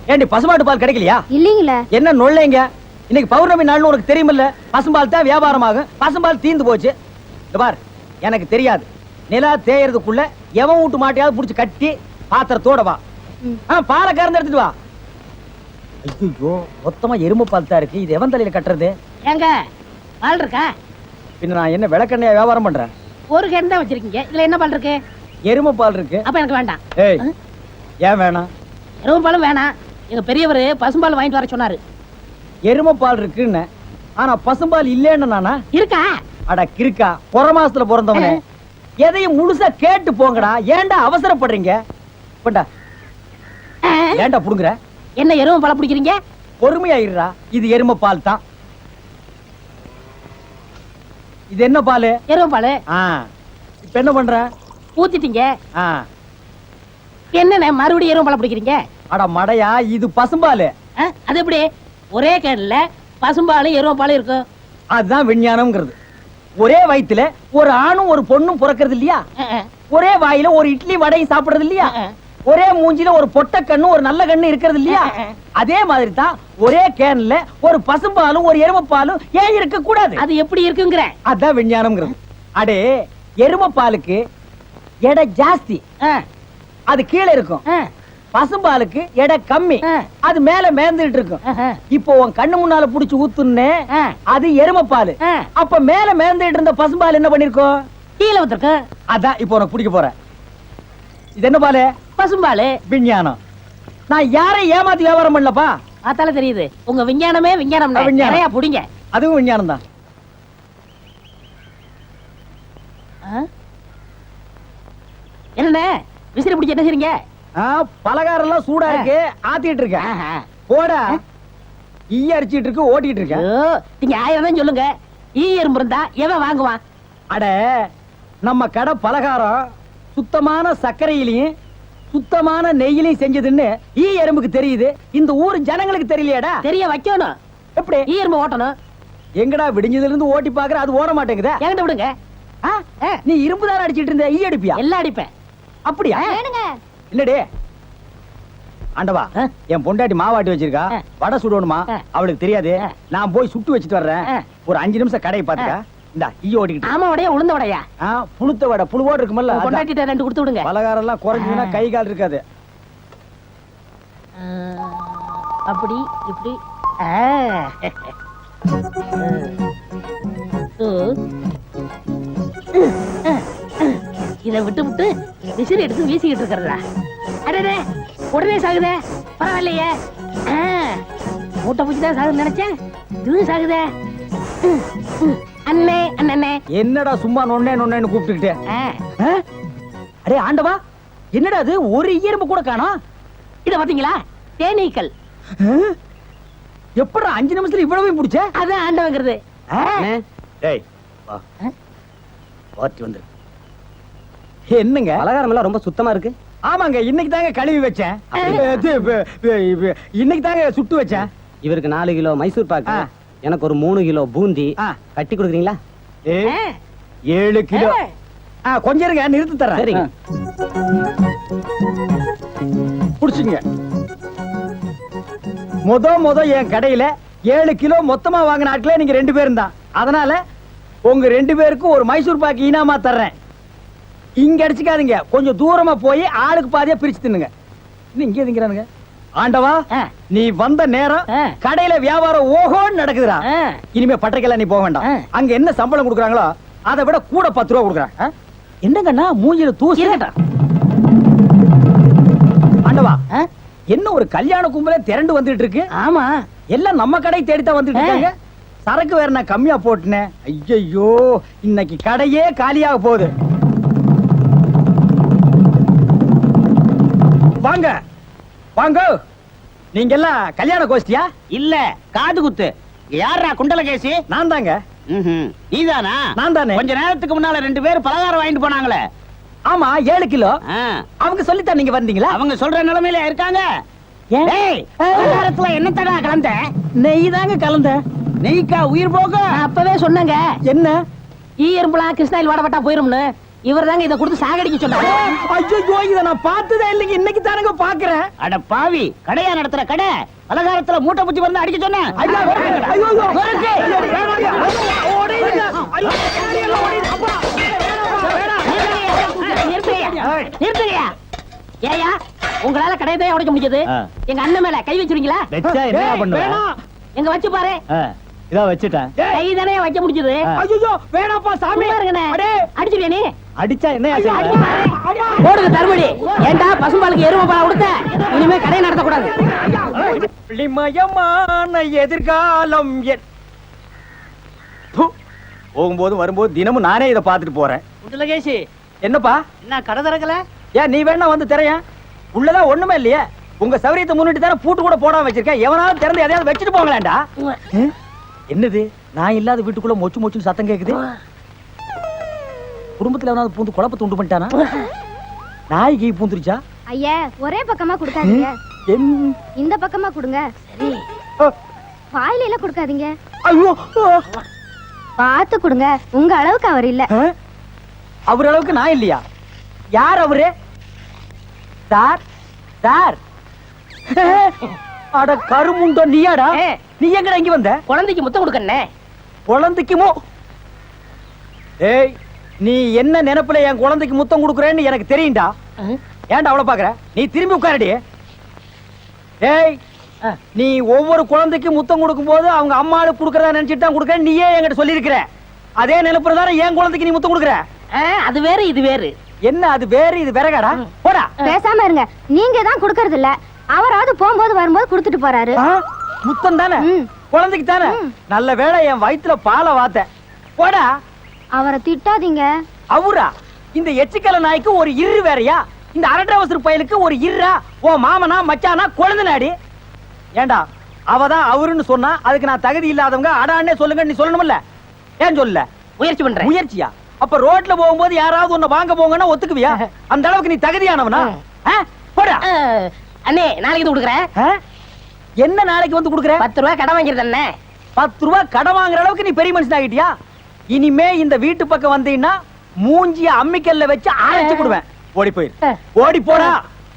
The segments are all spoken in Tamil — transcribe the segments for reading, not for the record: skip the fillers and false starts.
ஏண்டி பசுமாட்டு பால் கிடைக்கலையா? இல்லீங்களே. என்ன நொல்லைங்க? இன்னைக்கு பௌர்ணமி நாள்னு உனக்கு தெரியுமில்ல? பசும்பால் தான் வியாபாரமாகும். பசும்பால் தீந்து போச்சு. இந்த பார், எனக்கு தெரியாது. நிலா தேயறதுக்குள்ள எவன் வீட்டு மாட்டையாவது புடிச்சு கட்டி பாத்திரத்தோட வா. பாலை கறந்து எடுத்துட்டு வா. ஐயோ, மொத்தமா எருமை பால் தான் இருக்கு. இது எவன் தலையில கட்டுறது? ஏங்க பால் இருக்கா? பின்ன நான் என்ன விளக்கெண்ணையா வியாபாரம் பண்றேன்? ஒரு கேன் தான் வச்சிருக்கீங்க. இதுல என்ன பால் இருக்கு? எருமை பால் இருக்கு. அப்ப எனக்கு வேண்டாம். ஏய், ஏன் வேணாம்? எருமை பாலும் வேணாம். எங்க பெரியவர் பசும்பால் வாங்கிட்டு வர சொன்னாரு. எருமை பால் இருக்குன்னு, ஆனா பசும்பால் இல்லேன்னு நானா? இருக்கா? அட கிறுக்கா, புற மாசத்துல பிறந்தவனே, எதையும் முழுசா கேட்டு போங்கடா. ஏன்டா அவசரப்படுறீங்க? போண்டா. ஏன்டா புடுங்குற? என்ன எருமை பால் பிடிக்கிறீங்க? பொறுமையாயிடுறா. இது எருமை பால் தான். இது என்ன பால்? எருமை பால். இப்ப என்ன பண்ற? ஊத்திட்டீங்க. ஆ. என்னண்ணே மறுபடியும் எருமை பால் பிடிக்கிறீங்க? அட மடையா, இது பசும்பால். அது எப்படி ஒரே கேன்ல பசும்பாலும் எருமை பாலும் இருக்கும்? அதுதான் விஞ்ஞானம்ங்கிறது. ஒரே வயித்துல ஒரு ஆணும் ஒரு பொண்ணும் பிறக்கிறது இல்லையா? ஒரே வாயில ஒரு இட்லி வடையும் சாப்பிடுறது இல்லையா? ஒரே மூஞ்சில ஒரு பொட்ட கண்ணு ஒரு நல்ல கண்ணு இருக்கிறது இல்லையா? அதே மாதிரி தான் ஒரே கேன்ல ஒரு பசும்பாலும் ஒரு எருமை பாலும் ஏன் இருக்க கூடாது? அது எப்படி இருக்குங்கிற? அதான் விஞ்ஞானம்ங்கிறது. அடே, எருமை பாலுக்கு எடை ஜாஸ்தி, அது கீழே இருக்கும். பசும்பாலுக்கு எடை கம்மி, அது மேல மேந்துட்டு இருக்கும். இப்போ உன் கண்ணு முன்னால புடிச்சு ஊத்துனே, அது எருமை பால். அப்ப மேல மேந்துட்டு இருந்த பசும்பால் என்ன பண்ணிருக்கோம்? கீழே ஊத்திருக்கு. அதான் இப்போ உனக்கு பிடிக்க போற. இது என்ன பால்? பசும்பால். விஞ்ஞானம். நான் யாரையும் ஏமாத்தி வியாபாரம் பண்ணலப்பா. அதால தெரியுது உங்க விஞ்ஞானமே விஞ்ஞானம். நிறைய புடிங்க. அதுவும் விஞ்ஞானம் தான். என்ன விசிறி பிடிச்சி என்ன செய்றீங்க? பலகாரம் எல்லாம் சூடா இருக்கு, ஆத்திட்டு இருக்கேன். போடா. ஈ அடிச்சிட்டு இருக்கு, ஓட்டிட்டு இருக்கேன். நீங்க 1000 தான் சொல்லுங்க. ஈ எறும்பு இருந்தா எவன் வாங்குவான்? அட, நம்ம கடை பலகாரம் சுத்தமான சர்க்கரையிலையும் சுத்தமான நெய்யிலையும் செஞ்சதுன்னு ஈ எறும்புக்கு தெரியுது. இந்த ஊர் ஜனங்களுக்கு தெரியலையாடா? தெரிய வைக்கணும். எப்படி? ஈ எறும்பு ஓட்டணும். எங்கடா விடிஞ்சதுல இருந்து ஓட்டி பாக்குற, அது ஓட மாட்டேங்குதா? என்கிட்ட விடுங்க. நீ இரும்பு தானே அடிச்சிட்டு இருந்த, ஈ அடிப்பியா? எல்லாம் அடிப்பேன். அப்படியா? இல்லடே ஆண்டவா, என் பொண்டாட்டி மாவாட்டி வச்சிருக்கா, வடை சுடணுமா, அவளுக்கு தெரியாது. நான் போய் சுட்டு வச்சிட்டு வர்றேன். ஒரு 5 நிமிஷம் கடையை பாத்துக்க. இந்த ஈ ஓடிக்கிட்டு. ஆமா, வடையா உளுந்த வடையா? புழுத்த வடை, புழுவோடு இருக்குமல்ல. பொண்டாட்டிட்ட 2 கொடுத்து விடுங்க. பலகாரம் எல்லாம் குறைஞ்சுனா கை கால் இருக்காது. அப்படி இப்படி. இதை விட்டு விட்டு விசிறி எடுத்து வீசிக்கிட்டு இருக்கிறதா? அடடே, உடனே சாகுதே. பரவாயில்லையே. மூட்டை பூச்சிதான் சாகுது நினைச்சேன், இதுவும் சாகுதே. அண்ணே அண்ணே, என்னடா சும்மா நொண்ணே நொண்ணேன்னு கூப்பிட்டுக்கிட்டே? அடே ஆண்டவா, என்னடா அது, ஒரு எறும்பு கூட காணோம். இத பாத்தீங்களா? தேனீக்கள். எப்படா 5 நிமிஷத்துல இவ்வளவு பிடிச்ச? அதான் ஆண்டவங்கிறது. டேய் வா, வாட்டி வந்து. என்னங்க பலகாரம் எல்லாம் ரொம்ப சுத்தமா இருக்கு? ஆமாங்க, இன்னைக்கு தாங்க கழுவி வச்சேன். இன்னைக்கு தாங்க சுட்டு வச்சேன். இவருக்கு 4 கிலோ மைசூர் பாக்கு, எனக்கு ஒரு 3 கிலோ பூந்தி கட்டி கொடுக்குறீங்களா? 7 கிலோ. கொஞ்சம் இருங்க, நிறுத்து தரேன். சரிங்க. புடிச்சுங்க. முத என் கடையில 7 கிலோ மொத்தமா வாங்கின ஆட்களே நீங்க 2 பேரும் தான். அதனால உங்க 2 பேருக்கும் ஒரு மைசூர் பாக்கு இனாமா தர்றேன். இங்க அடிச்சுக்காதீங்க, கொஞ்சம் தூரமா போய் ஆளுக்கு பாதியா பிரிச்சு தின்னுங்க. இங்க திங்கிறானுங்க. ஆண்டவா, நீ வந்த நேரம் கடையில வியாபாரம் ஓஹோன்னு நடக்குதுடா. இனிமே பட்டறைக்கெல்லாம் நீ போக வேண்டாம். அங்க என்ன சம்பளம் கொடுக்குறாங்களோ அதை விட கூட 10 ரூபா கொடுக்குறாங்க. என்னங்கண்ணா மூஞ்சில தூசி? ஆண்டவா, என்ன ஒரு கல்யாண கும்பலே திரண்டு வந்துட்டு இருக்கு? ஆமா, எல்லாம் நம்ம கடை தேடித்தான் வந்துட்டு இருக்காங்க. சரக்கு வேற நான் கம்மியா போட்டுனேன். ஐயோ, இன்னைக்கு கடையே காலியாக போகுது. வாங்க வாங்க. நீங்க எல்லாம் கல்யாண கோஷ்டியா? இல்ல, காது குத்து. யாரா குண்டலகேசி? நான் தாங்க. நீதானா? நான் தானே. கொஞ்ச நேரத்துக்கு முன்னால 2 பேர் பலகாரம் வாங்கிட்டு போனாங்களே. ஆமா, 7 கிலோ. அவங்க சொல்லித்தான் நீங்க வந்தீங்களா? அவங்க சொல்ற நிலைமையில இருக்காங்க. பலகாரத்துல என்ன தடா கலந்த? நெய் தாங்க கலந்த. நெய்க்கா உயிர் போக? அப்பவே சொன்னாங்க. என்ன? ஈ எறும்புலாம் கிருஷ்ணாயில் வாடப்பட்டா போயிரும்னு. இவர் தாங்க இதை கொடுத்து சாகடிக்க சொன்னாரு. ஐயோ இத நான் பார்த்ததே இல்லைங்க, இன்னைக்கு தானங்க பாக்குறேன். அட பாவி, கடையா நடத்துற கடை, பலகாரத்துல மூட்டை பூச்சி வந்து அடிக்க சொன்னேன். ஐயா, ஐயோ, நொறுக்கு. ஓடிடுங்க. ஐயோ, ஓடிடுங்க. அப்பா. நிறுத்துறியா? ஏயா, உங்களால கடையை தான் உடைக்க முடிஞ்சது. எங்க அண்ணன் மேல கை வச்சிருக்கீங்களா? வெச்சா என்ன பண்ணுவ? வேணாம். எங்க வச்சு பாரு. இதோ வச்சுட்டேன். கை தானே வைக்க முடிஞ்சது. ஐயோ, வேணாப்பா சாமி. சும்மா இருங்கண்ணே. அடே. அடிச்சிருவியா நீ? அடிச்சா என்ன அடிச்சு பாரு. போடுங்க தர்மடி. ஏண்டா பசும்பாலுக்கு எருமை பால் கொடுத்த? இனிமே கடையை நடத்தக்கூடாது. ஒளிமயமான எதிர்காலம் போகும்போது வரும்போது தினமும் நானே இதை பார்த்துட்டு போறேன். குண்டலகேசி, என்னப்பா என்ன கடை திறக்கல? ஏன் நீ வேணா வந்து திரையன்? உள்ளதான் ஒண்ணுமே இல்லையே. உங்க சௌரியத்தை முன்னிட்டு தானே பூட்டு கூட போடாம வச்சிருக்கேன். எவனாவது திறந்து எதையாவது வச்சுட்டு போங்களேன்டா. என்னது, நான் இல்லாத வீட்டுக்குள்ள மொச்சு மொச்சுன்னு சத்தம் கேக்குது. குடும்பத்துல எவனாவது பூந்து குழப்பத்தை உண்டு பண்ணிட்டானா? நாய்க்கு பூந்துருச்சா? ஐயா, ஒரே பக்கமா கொடுக்காதீங்க, இந்த பக்கமா கொடுங்க. சரி. வாயில எல்லாம் கொடுக்காதீங்க, ஐயோ, பார்த்து கொடுங்க. உங்க அளவுக்கு அவர் இல்ல. அவர் அளவுக்கு நான் இல்லையா? யார் அவரு? Sir, sir. அட கருமுண்டோ, நீயாடா? நீ எங்கடா இங்க வந்த? குழந்தைக்கு முத்தம் கொடுக்கண்ணே. குழந்தைக்குமோ? ஏய், நீ என்ன நினைப்புல என் குழந்தைக்கு முத்தம் கொடுக்குறேன்னு எனக்கு தெரியும்டா. ஏன்டா அவ்வளவு பாக்குற? நீ திரும்பி உட்காரடி. ஏய், நீ ஒவ்வொரு குழந்தைக்கு முத்தம் கொடுக்கும் போது அவங்க அம்மாளுக்கு கொடுக்கறதா நினைச்சிட்டு தான் கொடுக்குற. நீயே என்கிட்ட சொல்லியிருக்கிற. அதே நினைப்புறதான என் குழந்தைக்கு நீ முத்தம் கொடுக்குற. அது வேறு இது வேறு. என்ன அது வேறு இது விறகாடா? போடா. பேசாம இருங்க. நீங்க தான் கொடுக்கறது இல்ல, அவராவது போகும்போது வரும்போது கொடுத்துட்டு போறாரு. முத்தம் தானே குழந்தைக்கு தானே? நல்ல வேளை என் வயித்துல பாலை வாத்த. போடா. அவரை திட்டாதீங்க. அவரா? இந்த எச்சிக்கல நாய்க்கு ஒரு இரு வேறையா? இந்த அரட்டவசர் பயலுக்கு ஒரு இருரா? ஓ மாமனா மச்சானா குழந்தைனாடி? ஏண்டா, அவதான் அவருன்னு சொன்னா அதுக்கு நான் தகுதி இல்லாதவங்க அடான்னே சொல்லுங்க நீ சொல்லணும்ல? ஏன் சொல்லல? முயற்சி பண்றேன். முயற்சியா? அப்ப ரோட்ல போகும்போது யாராவது உன்னை வாங்க போங்கன்னா ஒத்துக்குவியா? அந்த அளவுக்கு நீ தகுதியானவனா? போடா. அண்ணே, நாளைக்கு இது கொடுக்குறேன். என்ன நாளைக்கு வந்து கொடுக்குற? 10 ரூபாய் கடன் வாங்கிருது அண்ணே. 10 ரூபாய் கடன் வாங்குற அளவுக்கு நீ பெரிய மனுஷன் ஆகிட்டியா? இனிமே இந்த வீட்டு பக்கம் வந்தீங்கன்னா மூஞ்சிய அம்மிக்கல்ல வச்சு அரைச்சு விடுவேன். ஓடி போயிரு. ஓடி போடா.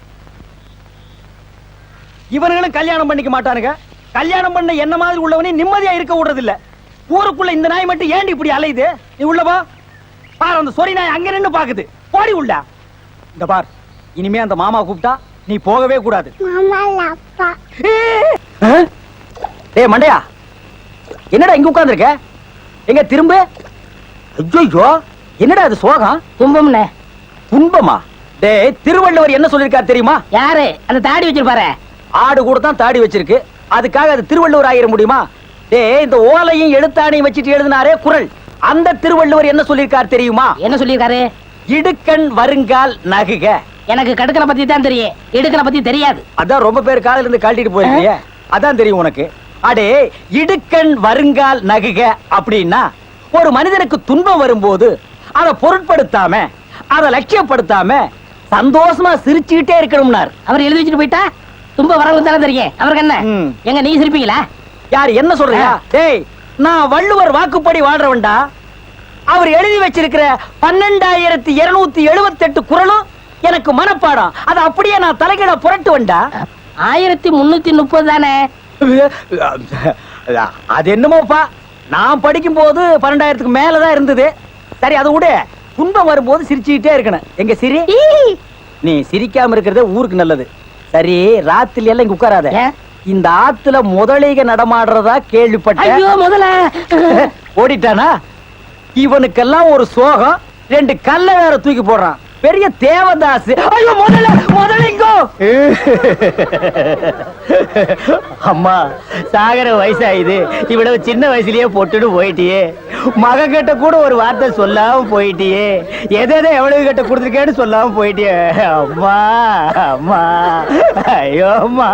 இவனுங்களும் கல்யாணம் பண்ணிக்க மாட்டானுங்க. கல்யாணம் பண்ண என்ன மாதிரி உள்ளவனே நிம்மதியா இருக்க விடுறது இல்ல. ஊருக்குள்ள இந்த நாய் மட்டும் ஏண்டி இப்படி அலையுது? நீ உள்ளவா பாரு, அந்த சொறி நாய் அங்க நின்னு பாக்குது. போடி உள்ள. இந்த பார், இனிமே அந்த மாமா கூப்பிட்டா நீ போகவே கூடாது. டேய் மண்டையா, என்னடா இங்க உட்கார்ந்திருக்க? எங்க திரும்ப? ஐயோ, என்னடா அது சோகம்? துன்பம்ண்ணே. துன்பமா? டேய், திருவள்ளுவர் என்ன சொல்லிருக்காரு தெரியுமா? யாரு அந்த தாடி வச்சிருப்பாரு? ஆடு கூட தான் தாடி வச்சிருக்கு, அதுக்காக அது திருவள்ளுவர் ஆயிர முடியுமா? டேய், இந்த ஓலையும் எழுத்தாணையும் வச்சிட்டு எழுதினாரே குறள், அந்த திருவள்ளுவர் என்ன சொல்லிருக்காரு தெரியுமா? என்ன சொல்லிருக்காரு? இடுக்கண் வருங்கால் நகுக. எனக்கு கடுக்கனை பத்தி தான் தெரியும், இடுக்கனை பத்தி தெரியாது. அதான் ரொம்ப பேர் காலையில இருந்து கழட்டிட்டு போயிருக்கீங்க, அதான் தெரியும் உனக்கு. அடே, இடுக்கண் வருங்கால் நகுக அப்படின்னா ஒரு மனிதனுக்கு துன்பம் வரும்போது அதை பொருட்படுத்தாம, அதை லட்சியப்படுத்தாம சந்தோஷமா சிரிச்சுக்கிட்டே இருக்கணும்னார். அவர் எழுதி வச்சுட்டு போயிட்டா துன்பம் வரவங்க தானே தெரியும். அவருக்கு என்ன? எங்க நீங்க சிரிப்பீங்களா? யார் என்ன சொல்றியா? டேய், நான் வள்ளுவர் வாக்குப்படி வாழ்றவன்டா. அவர் எழுதி வச்சிருக்கிற 12278 குறளும் எனக்கு மனப்பாடம். அது அப்படியே நான் தலைகீழ புரட்டுவன்டா. 1330 தானே? அது என்னமோப்பா, நான் படிக்கும் போது 12,000க்கு மேலதான் இருந்தது. சரி, அதை விட துன்பம் வரும்போது சிரிச்சுக்கிட்டே இருக்கணும். எங்க சிரி? நீ சிரிக்காம இருக்கிறது ஊருக்கு நல்லது. சரி, ராத்திரி எல்லாம் இங்க உட்காராத. இந்த ஆத்துல முதலைக நடமாடுறதா கேள்விப்பட்டேன். ஐயோ, முதல்ல ஓடிட்டானா? இவனுக்கெல்லாம் ஒரு சோகம், 2 கல்ல வேற தூக்கி போடுறான். பெரிய தேவதாஸ். ஐயோ, முதலிங்கோ. அம்மா, சாகர வயசாயுது, இவ்வளவு சின்ன வயசுலயே போட்டுட்டு போயிட்டியே. மகன் கிட்ட கூட ஒரு வார்த்தை சொல்லாம போயிட்டியே. எதை எவ்வளவு கிட்ட கொடுத்துருக்கேன்னு சொல்லாம போயிட்டியே. அம்மா, அம்மா, ஐயோ அம்மா.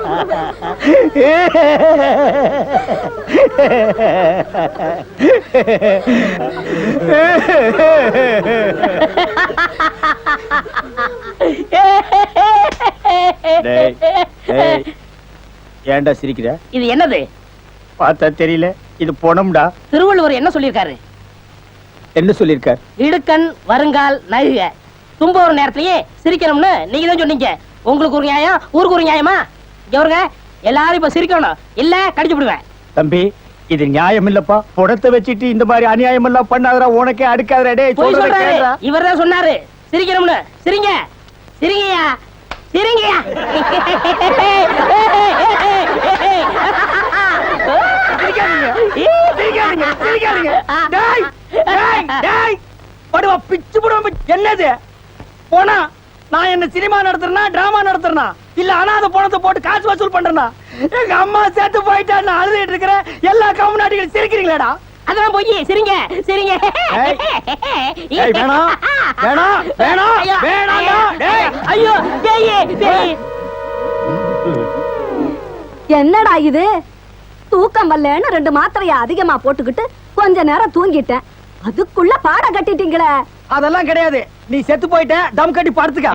ஏன்டா சிரிக்கிற? இது என்னது? பார்த்தா தெரியல, இது பொணம்டா. திருவள்ளுவர் என்ன சொல்லிருக்காரு? என்ன சொல்லிருக்கார்? இடுக்கண் வருங்கால் நகுக தும்ப ஒரு நேரத்திலேயே சிரிக்கணும்னு நீங்க தான் சொன்னீங்க. உங்களுக்கு ஒரு நியாயம், ஊருக்கு ஒரு நியாயமா? இவருங்க எல்லாரும் இப்ப சிரிக்கணும், இல்ல கடிச்சு விடுவேன். தம்பி இது நியாயம் இல்லப்பா. புடத்தை வச்சிட்டு இந்த மாதிரி அநியாயம் எல்லாம் பண்ணாதடா, உனக்கே அடுக்காதடா. டேய் போய் சொல்றத சொல்றாரு, கேளுடா. இவர்தான் சொன்னாரு சிரிக்கணும்னு. சிரிங்க சிரிங்கயா சிரிங்கயா. சிரிக்காதீங்க, சிரிக்காதீங்க, சிரிக்காதீங்க. டேய், டேய், டேய். படுவா, பிச்சு புடுவா. என்னது போனா? நான் என்ன சினிமா நடத்துறேனா டிராமா நடத்துறேனா இல்ல அனாதை பணத்தை போட்டு காசு வசூல் பண்றேனா? எங்க அம்மா சேர்த்து போயிட்டா நான் அழுதுட்டு இருக்கிறேன். எல்லா கம்நாட்டிகளும் சிரிக்கிறீங்களாடா? அதெல்லாம் போய் சிரிங்க சிரிங்க. ஏய், ஏய், வேணாம், வேணாம், வேணாம், வேணாம்டா. டேய், ஐயோ பேய் பேய். என்னடா இது? தூக்கம் வரலன்னு 2 மாத்திரைய அதிகமா போட்டுக்கிட்டு கொஞ்ச நேரம் தூங்கிட்டேன். அதுக்குள்ள பாட கட்டிட்டீங்களே. அதெல்லாம் கிடையாது. நீ செத்து போயிட்ட, தம் கட்டி படுத்துக்க.